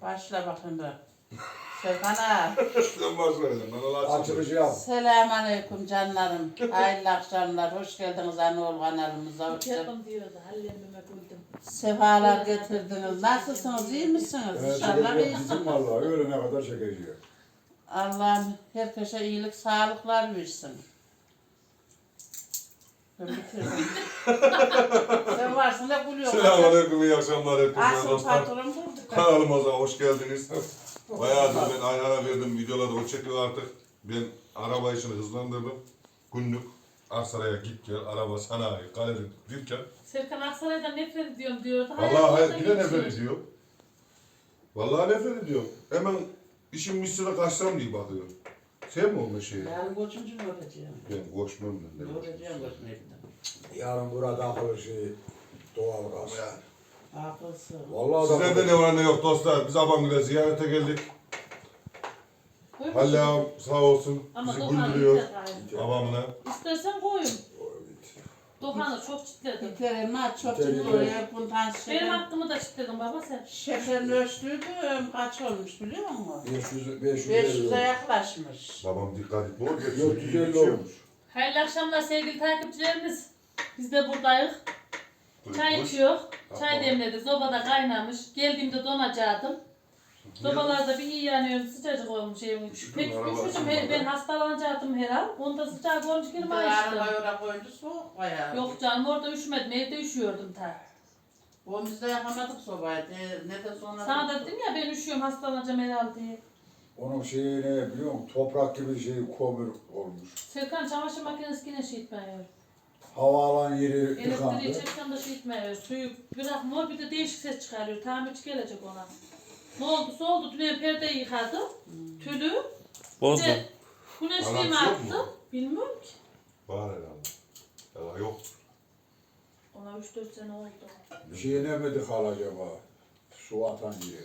Başla bakın da. Serkan'a. Sen başlayacaksın. Açılışı yap. Selamünaleyküm canlarım. Hayırlı akşamlar. Hoş geldiniz Anoğlu kanalımıza. Yapım diyordu, hallemime buldum. Sefalar getirdiniz. Nasılsınız? İyi misiniz? İnşallah Bizim iyisiniz. vallahi öğlene kadar çekeceğiz. Allah'ım herkese iyilik, sağlıklar versin. Ben bitirdim. Sen varsın da gülüyorsun. Selamünaleyküm, iyi akşamlar hepinize Asıl dostlar. patron bulduk. Kanalımıza hoş geldiniz. Bayağıdır ben Ayhan'a verdim, videolarda o çekiyor artık. Ben araba işini hızlandırdım. Günlük Aksaray'a git gel, araba sanayi, galeri, dükkan. Serkan Aksaray'dan nefret ediyorum diyordu. Vallahi Hayatımda yine nefret geçiyor. ediyor. Vallahi nefret ediyor. Hemen işin misyona kaçsam diye bakıyor. Sen mi olma şeyi? Yarın koçuncu mu öpeceğim? Ben koşmam ben. Ne öpeceğim koçmayı. Yarın burada akıllı şey doğal gaz. Akılsın. Vallahi Sizde de ne var ne yok dostlar. Biz Abangül'e ziyarete geldik. Koy Halil bakayım. ağam sağ olsun Ama bizi Doğan'ı güldürüyor yeter gayrı. babamla. İstersen koyun. Doğan'ı çok çitledim. İterim çok İterim. çıktı oraya bundan Benim şeker. hakkımı da çitledin baba sen. Şekerin ölçtüydüm kaç olmuş biliyor musun? 500 500'e yaklaşmış. Babam dikkat et. Ne oluyor? 450 olmuş. Hayırlı akşamlar sevgili takipçilerimiz. Biz de buradayız. Çay içiyor. Çay demledik. Sobada kaynamış. Geldiğimde donacaktım. Sobalarda bir iyi yanıyor. Sıcacık olmuş evin. Pek üşüdüm. Ben hastalanacaktım herhalde. Onda sıcak olmuş girme açtım. Arabaya oraya koyunca soğuk bayağı. Yok canım orada üşümedim. Evde üşüyordum ta. O biz de yakamadık sobayı. Ne de sonra... Sana da dedim ya ben üşüyorum hastalanacağım herhalde diye. Onun şeyi ne biliyor musun? Toprak gibi şey kömür olmuş. Serkan çamaşır makinesi yine şey itmiyor. Havaalan yeri Elektriği tıkandı. çeksen de şey itmiyor. Suyu bırakmıyor bir de değişik ses çıkarıyor. Tamirci gelecek ona. Ne oldu oldu. Dün perdeyi yıkadım. Tülü. Bozdum. Bir de güneşliğimi Alakası yok mu? attım. Bilmiyorum ki. Var herhalde. Ya yok. Ona 3-4 sene oldu. Bir şey yenemedik hal acaba. Su atan yeri.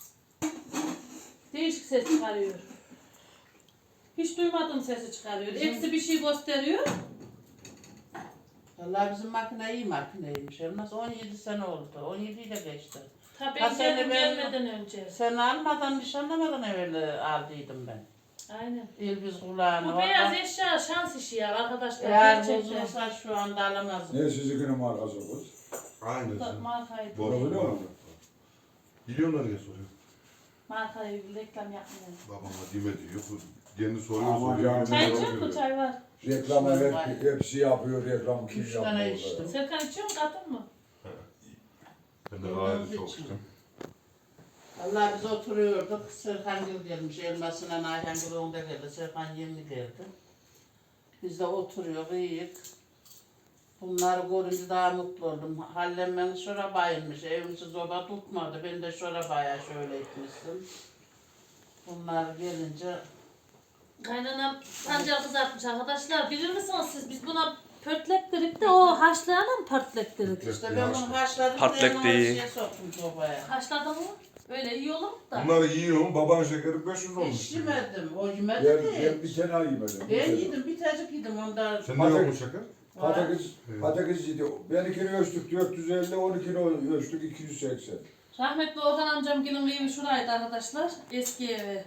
Değişik ses çıkarıyor. Hiç duymadığım sesi çıkarıyor. Hepsi bir şey gösteriyor. Vallahi bizim makine iyi makineymiş. Elmas 17 sene oldu. 17'yi de geçti. Tabii Ha, seni geldim ben- gelmeden önce. Sen almadan, nişanlamadan evvel aldıydım ben. Aynen. İlbiz kulağını. Bu beyaz eşya şans işi ya arkadaşlar. Eğer Gerçekten. bozulsa şu anda alamazdım. Ne sizi günün markası kız? Aynen. Bu da markaydı. Doğru. Biliyor musun? Biliyorlar ya soruyor. Markayı reklam yapmıyor. Babama dime diyor. Bu kendi soruyor Aman soruyor. canım. Çay Cevap içiyor mu? veriyor. Çay var. Reklamı hepsi yapıyor. Reklam kim 3 tane yapıyor? içtim. Serkan içiyor mu? Katın mı? Ben de gayet çok içtim. Vallahi biz oturuyorduk. Serkan Gül gelmiş. Elmasına Ayhan Gül onda geldi. Serkan yeni geldi. Biz de oturuyoruz, iyiyiz. Bunları görünce daha mutlu oldum. Hallem beni şura bayılmış. Evimizi zoba tutmadı. Ben de şura bayağı şöyle etmiştim. Bunlar gelince Kaynanam pancar kızartmış arkadaşlar. Bilir misiniz siz? Biz buna pörtlek dedik de o haşlayana mı pörtlek dedik? işte ben bunu haşladım. Patlak ben değil. Şeye soktum sobaya. Haşladı mı? Öyle iyi olur mu da? Bunları yiyorum. Baban şekeri 500 olmuş. Hiç yemedim. O yemedi Ben de. bir tane yemedim. Ben yedim. Bir tacık yedim ondan. Sen ne yok mu şeker? Patates yedi. Benimkini ölçtük 450, 12'ni ölçtük 280. Rahmetli Orhan amcamgilin evi şuraydı arkadaşlar. Eski evi.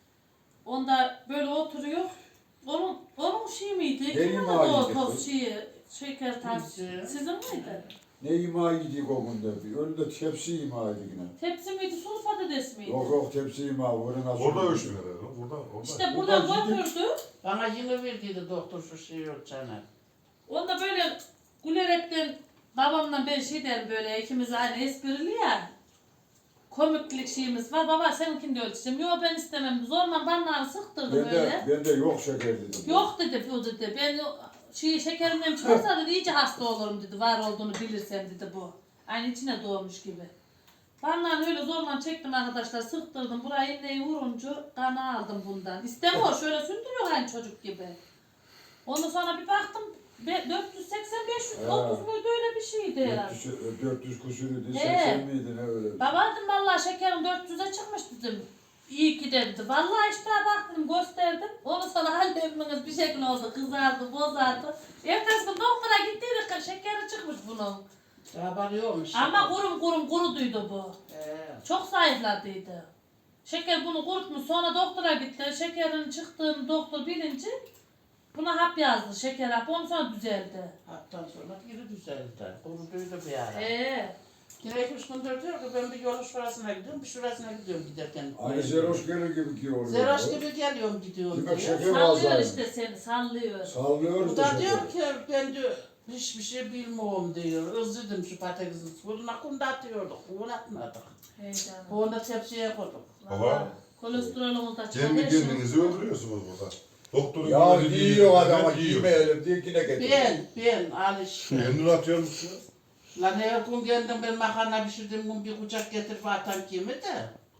Onda böyle oturuyor. Onun şey miydi? Ne Kimin imağı o yedi toz kız? şeyi? Şeker tarzı. Bizim. Sizin miydi? Ne ima yedik o günde? Önünde tepsi ima yedik yine. Tepsi miydi? Sulu patates miydi? Yok yok tepsi ima. Orada ölçtün herhalde. Burada. İşte Buradan buradan gidip- götürdü. Bana yine verdiydi doktor şu şeyi ölçene. Onda böyle gülerekten babamla ben şey derim böyle ikimiz aynı esprili ya. Komiklik şeyimiz var. Baba seninkini de ölçeceğim. Yok ben istemem. Zorla bana sıktırdım öyle. Ben de yok şeker dedim. Yok dedi bu dedi. Ben şekerimden çıkarsa dedi iyice hasta olurum dedi. Var olduğunu bilirsem dedi bu. Aynı içine doğmuş gibi. Bana öyle zorla çektim arkadaşlar. Sıktırdım. Buraya iğneyi vurunca kanı aldım bundan. İstemiyor. Şöyle sündürüyor aynı çocuk gibi. Ondan sonra bir baktım 480-500 30 muydu öyle bir şeydi herhalde. 400 küsürüydü, He. 80 miydi ne öyle? Baba dedim vallahi şekerim 400'e çıkmış dedim. İyi ki dedi. Vallahi işte baktım gösterdim. Onu sonra halletmeniz bir şekil oldu. Kızardı, bozardı. Ertesi gün doktora gittiydik şekeri çıkmış bunun. Haberi yokmuş. Ama kuruduydu bu. Çok zayıfladıydı. Şeker bunu kurutmuş. Sonra doktora gitti. Şekerin çıktığını doktor bilince buna hap yazdı. Şeker hapı. Ondan sonra düzeldi. Haptan sonra geri düzeldi. Kuruduydu bir ara. Yine 2-3 gündür diyor ki ben bir yol şurasına gidiyorum, bir şurasına gidiyorum giderken. Aynı Zeroş gelir gibi ki oluyor. Zeroş gibi geliyorum gidiyorum Demek diyor. şeker Sallıyor fazla. işte seni. Sallıyor. Sallıyoruz Bu da da şeker. diyor ki ben diyor hiçbir şey bilmiyorum diyor. Özledim şu patatesin suyunu akında atıyorduk. Bunu atmadık. Heyecanlı. Bunu da tepsiye koyduk. Baba. Kolesterolümüz de çıkar. Kendi her şey. kendinizi öldürüyorsunuz burada. Doktorun Ya dediği yiyor adama ben yiyorum. giymeyelim diye yine getiriyor. Ben alış. Kendini atıyor musun? Lan her gün geldim ben makarna pişirdim gün bir kucak getirip atan kimi de.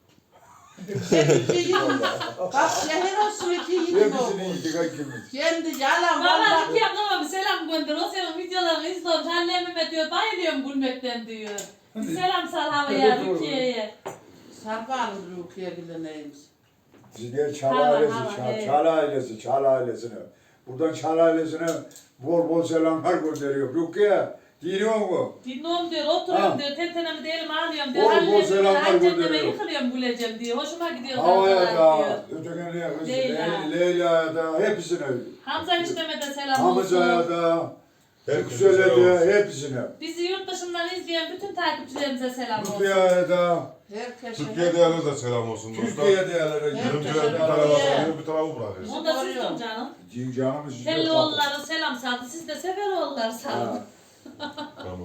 Bak şehir olsun iki yiyin Hepsini olmuş. yiyecek hakimiz. Kendi yalan Valla valla. Rukiye ablama bir selam gönder. O senin videolarını izliyorum. Annemime diyor bayılıyorum gülmekten diyor. Bir selam sal havaya Evet, doğru. Rukiye'ye. Sarbanın Rukiye bile neymiş. Bizler Çal Hala, ailesi, evet. Çal ailesi, Çal ailesine. Buradan Çal ailesine bol bol selamlar gönderiyor. Rukiye, dinliyor mu? Dinliyorum diyor, oturuyorum Ha. diyor, tentenemi de elime alıyorum diyor. Bol bol Annemime selamlar anneme gönderiyor. yıkılıyorum güleceğim diyor. Hoşuma gidiyor Havaya zaten da, diyor. ötekine kız, Leyla. Leyla'ya da, hepsine. Hamza enişteme de selam Hamza'ya olsun. da, Herkese Yüksel'e selam olsun. de, hepsine. Bizi yurt dışından izleyen bütün takipçilerimize selam olsun. Rukiye'ye da, Herkese. Türkiye değerli de selam olsun dostlar. Türkiye'ye değerlere Yarım Herkese bir tarafa sarıyor, bir tarafa bırakıyoruz. O da sizin canım. canımız size Telloğulları selam saldı. Siz de Seferoğulları salın. Tamam.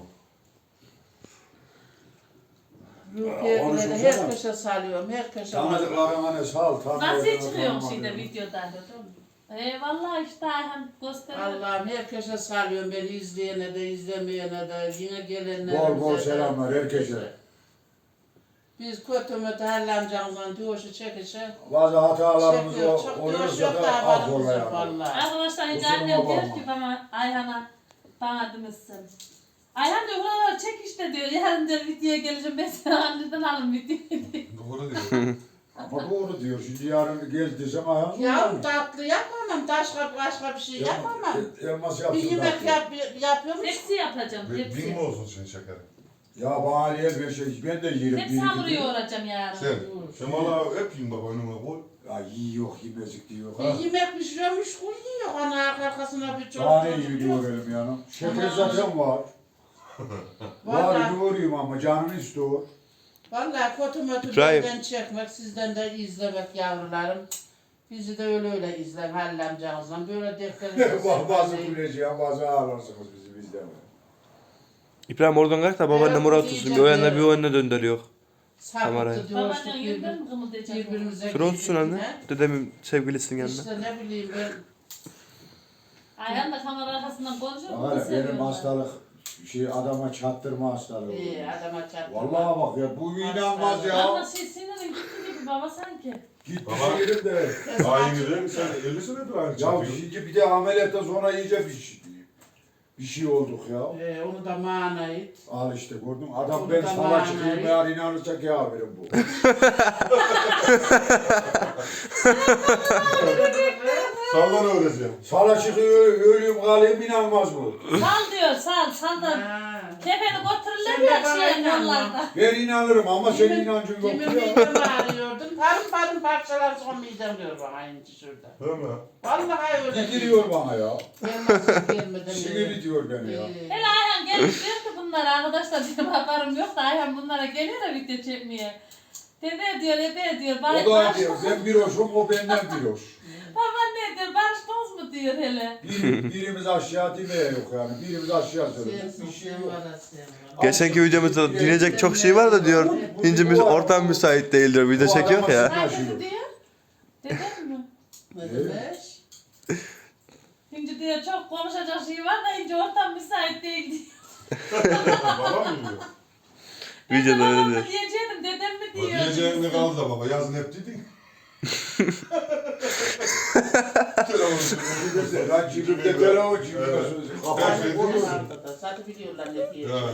Rukiye Onu bile de şurada. herkese salıyorum. Herkese Tanıdıklarına ne sal, Nasıl tanıdıklarına çıkıyorsun tanımadığına. şimdi videodan? Vallahi işte Ayhan gösteriyor. Allah'ım herkese salıyorum. Beni izleyene de izlemeyene de yine gelenlere. Bol bol selamlar herkese. Biz kötü mütü hallamcağımdan diyoruşu çekişe. Bazı hatalarımız Çekiyor. Çok diyoruşu oluyorsa yok da da haberimiz yok affola yani. valla. Arkadaşlar hiç Kusuruma annem diyor bakma. ki bana bana demişsin. Ayhan diyor buraları çek işte diyor. Yarın diyor videoya geleceğim ben sana anneden alın videoyu diyor. Doğru diyor. Ama doğru diyor. Şimdi yarın gel desem ayağım. Ya tatlı yapamam. Başka bir şey yapamam. Elmas Bir yapsın. yemek tatlı. yapıyorum. Tepsi yapacağım Bin tepsi. mi olsun senin şekerin? Ya bana yer bir şey. Ben de yerim. Tepsi hamuru yoğuracağım yarın. Sen valla hep yiyin baba önüme koy. Ya yiyor yemezlik diyor. Bir Ha. yemek pişiriyormuş yiyor. Ana arkasına bir çok. Daha ne iyi yoğuralım yani. Şeker zaten var. Var Valla. yoğurayım ama canım istiyor. Valla kötü mötü İbrahim. benden çekmek, sizden de izlemek yavrularım. Bizi de öyle izler hallemcağızdan. Böyle defterinize Bazı güleceğim, bazı ağlarsınız bizi bizden. İbrahim oradan kalk da babaannem Evet, oraya otursun. Bir o yana bir o yana döndürüyor. kamerayı. Sapıttı diyoruz Babaannem yüzden mi kımıldayacak? birbirimize. Şuraya otursun anne. birbirine. Dedemin sevgilisinin yanına. İşte ne bileyim ben. Ayhan da kamera arkasından konuşuyor. bunu Hala benim seviyorlar. hastalık adama çattırma hastalığı. Adama çarptı. Vallahi bak ya bu inanmaz ya. Ama sinirin gitti gibi baba sanki. Git Baba. yerim de. Aynı değil mi? Sen 50 senedir aynı Ya çakıyorsun. şimdi bir de ameliyattan sonra iyice bir şey olduk ya. Onu da manayı. Al işte gördün adam Onu ben da sana manayı. çıkayım eğer inanırsak ya haberim bu. Sağdan öğreteceğim. Sana çıkıyor ölüyüm kalayım inanmaz bu. Sal diyor sal da. Ha. Kefeni götürürler Sen de ya bana şey inanma. yollarda. Ben inanırım ama senin inancın yok Kimin ya. midemi ağrıyordun? Parım parçalar son midem diyor bana aynı şurada. Değil mi? Vallahi öyle. Gidiliyor bana ya. Gelmesin gelmeden. Sinir diyor beni ya. Hele Ayhan gelmiş diyor ki bunlara arkadaşlar benim haberim yok da Ayhan bunlara geliyor da video çekmeye. Dede diyor O da diyor barıştınız mı? ben bir hoşum o benden bir hoş. Baba ne diyor barıştınız mı diyor hele. Birimiz aşağı demeye yok yani. Birimiz aşağı söylüyor. Sensin, Bir şey sen yok. var da sen var. Geçenki videomuzda dinleyecek çok şey var da diyor. İncimiz ortam müsait değil diyor. Video çekiyor ya. Herkesi diyor. Dedem mi? Ne demek? İnci diyor çok konuşacak şey var da İnci ortam müsait değil diyor. Babam mı diyor? Ben de Videoda babam öyle mı diyor. diyeceğim dedem mi Bak diyor. diyeceğin ne kaldı da baba? Yazın hep dedin. Lan cibimde telefon cibimde sözü. Her Kafanı şey vurur. diyorsun. Zaten biliyorlar ne diye. Yani.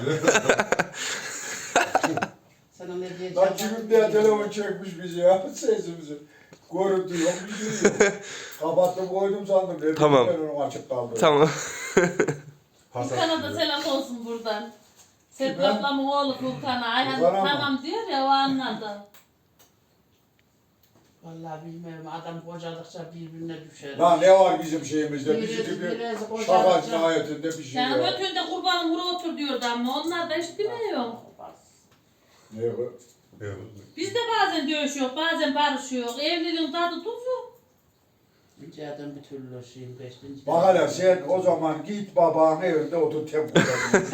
Sana ne diyeceğim? Lan cibimde telefon çekmiş bizi ya sesimizi. Görüntü yok bir şey yok. Kapattım koydum sandım. Dedim, Tamam. ben onu açık kaldı. Tamam. Furkan'a da selam olsun buradan. Serpil Kime? ablamın oğlu Furkan'a. Ayhan Furkan'a mı? tamam diyor ya o anladı. herhalde. Vallahi bilmiyorum adam kocadıkça birbirine düşer. Lan ne var bizim şeyimizde? Bizim gibi Biraz şaka kocadıkça. nihayetinde bir şey Yani ya. ötünde kurbanım vura otur diyordu ama onlar da hiç bilmiyor. Ne bu? Evet. Biz de bazen dövüşüyor, bazen barışıyor. Evliliğin tadı tuzu. Ricadan bir türlü şeyim geçti. Bak hele sen o zaman git babanın evinde otur tek odada.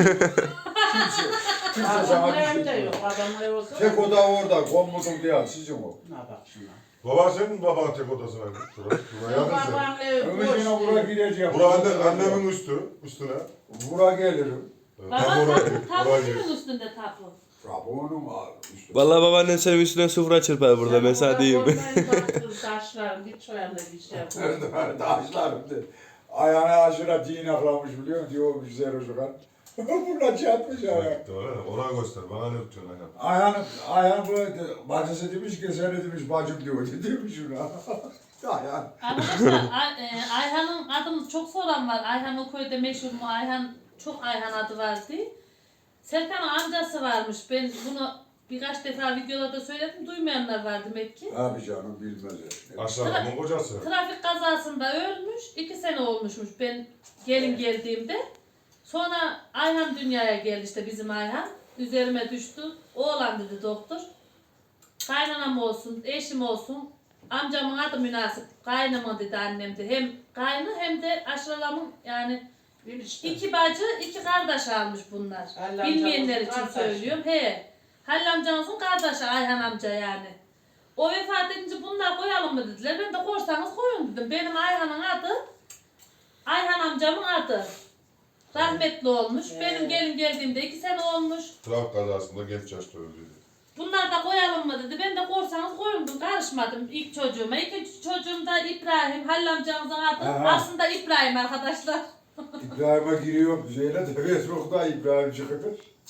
Kimse sana Adamın bir şey evinde yok. yok. Adamın evi olsa. Tek oda orada, komodun değil, sizin o. Ne bak şuna. Baba senin mi babanın tek odası var? Şuraya yakın sen. Babamın evi Ömür boş. yine buraya gireceğim. Bura annemin üstüne. Buraya gelirim. Baba Tam oraya tapu, gir, tapu oraya gir. kimin üstünde tapu? Rabonum var. İşte. Vallahi babaannen senin üstüne sıfıra çırpar burada ben sana diyeyim. Taşlarım git şöyle bir şey yap. Nerede taşlarım de. Ayağına aşırı din aklamış biliyor musun? Diyor bir zero çıkar. Bunlar çatmış ayağı. Ona göster. Bana ne tutuyorsun ayağım? Ayağını böyle bacısı demiş ki sen ne demiş bacım diyor. Demiş şuna. Ayağını. Arkadaşlar Ayhan'ın adını çok soran var. Ayhan o köyde meşhur mu? Ayhan çok Ayhan adı vardı. Serkan'ın amcası varmış. Ben bunu birkaç defa videolarda söyledim. Duymayanlar var demek ki. Abi canım bilmez ya. Aşağıdamın kocası. Trafik kazasında ölmüş. 2 sene olmuşmuş ben gelin geldiğimde. Sonra Ayhan dünyaya geldi işte bizim Ayhan. Üzerime düştü. Oğlan dedi doktor. Kaynanam olsun, eşim olsun. Amcamın adı münasip. Kaynama dedi annem de. Hem kaynı hem de aşıralamın yani Bir işte. 2 bacı, 2 kardeş almış bunlar. Halil Bilmeyenler için amcamızın kardeşi. söylüyorum. He. Halil amcanızın kardeşi Ayhan amca yani. O vefat edince bunlar koyalım mı dediler. Ben de koysanız koyun dedim. Benim Ayhan'ın adı, Ayhan amcamın adı. Rahmetli olmuş. Benim gelin geldiğimde 2 sene olmuş. Trafik kazasında genç yaşta öldü. Bunlar da koyalım mı dedi. Ben de korsanız koyun dedim. Karışmadım ilk çocuğuma. İkinci çocuğum da İbrahim. Halil amcamızın adı. Aha. Aslında İbrahim arkadaşlar. İbrahim'e giriyor. Zeynep de Facebook'ta İbrahim çıkıyor.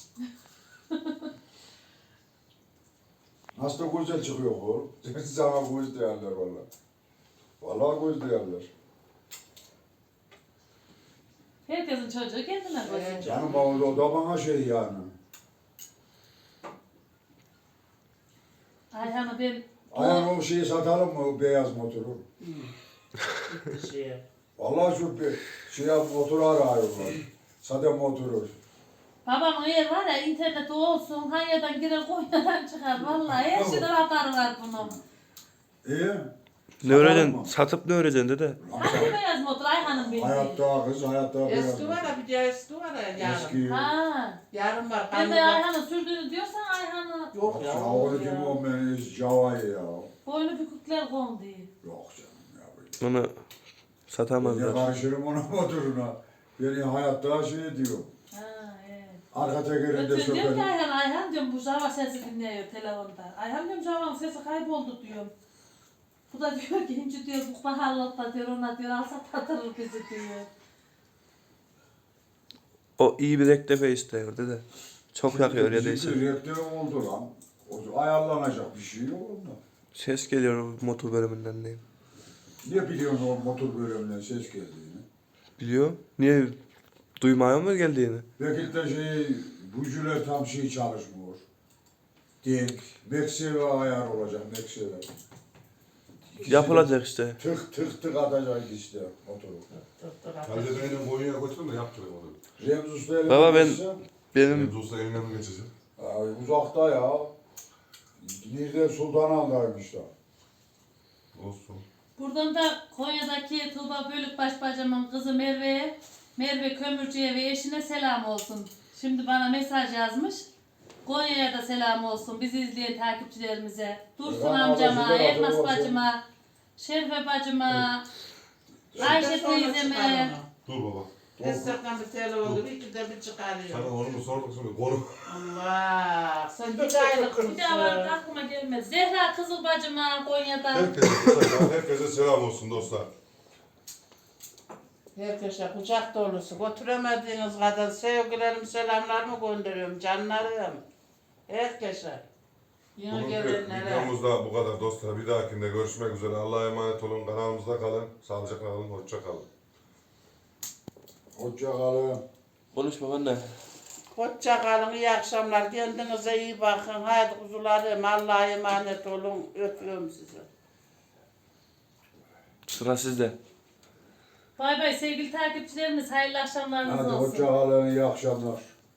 Nasıl da güzel çıkıyor oğlum. Sana göz değerler valla. Valla göz değerler. Herkesin çocuğu kendine koysun. Canım o da bana şey yani. Ayhan'ı ben... Ayağın o şeyi satalım mı o beyaz motoru? Bir şey. Vallahi şu bir şey motoru arıyorlar. Sade motoru. Babamın eğer var ya interneti olsun, Hanya'dan girer Konya'dan çıkar. Vallahi her şeyden haberi var bunun. İyi. Ne öğreceksin? Satıp ne öğreceksin dede? Hangi beyaz motor Ayhan'ın bildiği? Hayatta kız, hayatta beyaz Eski var motor. ya bir de eski var ya yarın. Eski. Ha. Yarın var. Ben de kaybolma- Ayhan'ın sürdüğünü diyorsan Ayhan'ı Yok ya. Ya onu kim o beni Java'yı ya. boynu bükükler kondu. Yok canım ya. Onu Ne satamazlar. karşırım ona motoruna. Beni hayatta şey diyor. Ha evet. Arka tekerinde Ötün diyorum ki sökerim. Ayhan diyorum bu Java sesi dinliyor telefonda. Ayhan diyorum Java'nın sesi kayboldu diyorum. Bu da diyor ki inci diyor bu pahalılıkta diyor ona diyor alsa tatırır bizi diyor. O iyi bir rektefe istiyor dede. Çok yakıyor ya değilse. Bizim rektör oldu lan. O ayarlanacak bir şey yok onda. Ses geliyor o motor bölümünden diyeyim. Ne biliyorsun o motor bölümünden ses geldiğini? Biliyor. Niye? Duymaya mı geldiğini? Belki de bujuler tam şey çalışmıyor. Denk. Mekseve ayar olacak mekseve. İkisi Yapılacak işte. de Tık tık tık atacak işte motoru. Halide benim Konya'ya götürün de yaptırayım onu. Remzi Usta eline Baba ben- geçse, Benim Benim usta eline mi geçeceğim? uzakta ya. Nerede Sultanahmet'daymış da. Olsun. Buradan da Konya'daki Tuğba Bölükbaş bacımın kızı Merve'ye, Merve Kömürcü'ye ve eşine selam olsun. Şimdi bana mesaj yazmış. Konya'ya da selam olsun bizi izleyen takipçilerimize. Dursun Eyvallah, amcama, Allah razı Elmas olsun. bacıma, Şerife bacıma, Ayşe teyzeme. Dur baba. Destekten bir telefon gibi iki de bir çıkarıyor. Sana onu mu sorduk şimdi? Konu. Allah sen bir aylık Bir daha var mısın? aklıma gelmez. Zehra Kızıl bacıma Konya'da. Herkese selam olsun dostlar. Herkese kucak dolusu. Götüremediğiniz kadar sevgilerim, selamlarımı gönderiyorum canlarım. Herkese. Yine Bugünkü gelenlere. videomuzda bu kadar dostlar. Bir dahakinde görüşmek üzere. Allah'a emanet olun. Kanalımızda kalın. Sağlıcakla kalın. Hoşça kalın. Hoşça kalın. konuşma anne. Hoşça kalın, iyi akşamlar. Kendinize iyi bakın. Haydi kuzularım, Allah'a emanet olun. Öpüyorum sizi. Sıra sizde. Bay bay sevgili takipçilerimiz. Hayırlı akşamlarınız Hadi olsun. hoşça kalın, iyi akşamlar.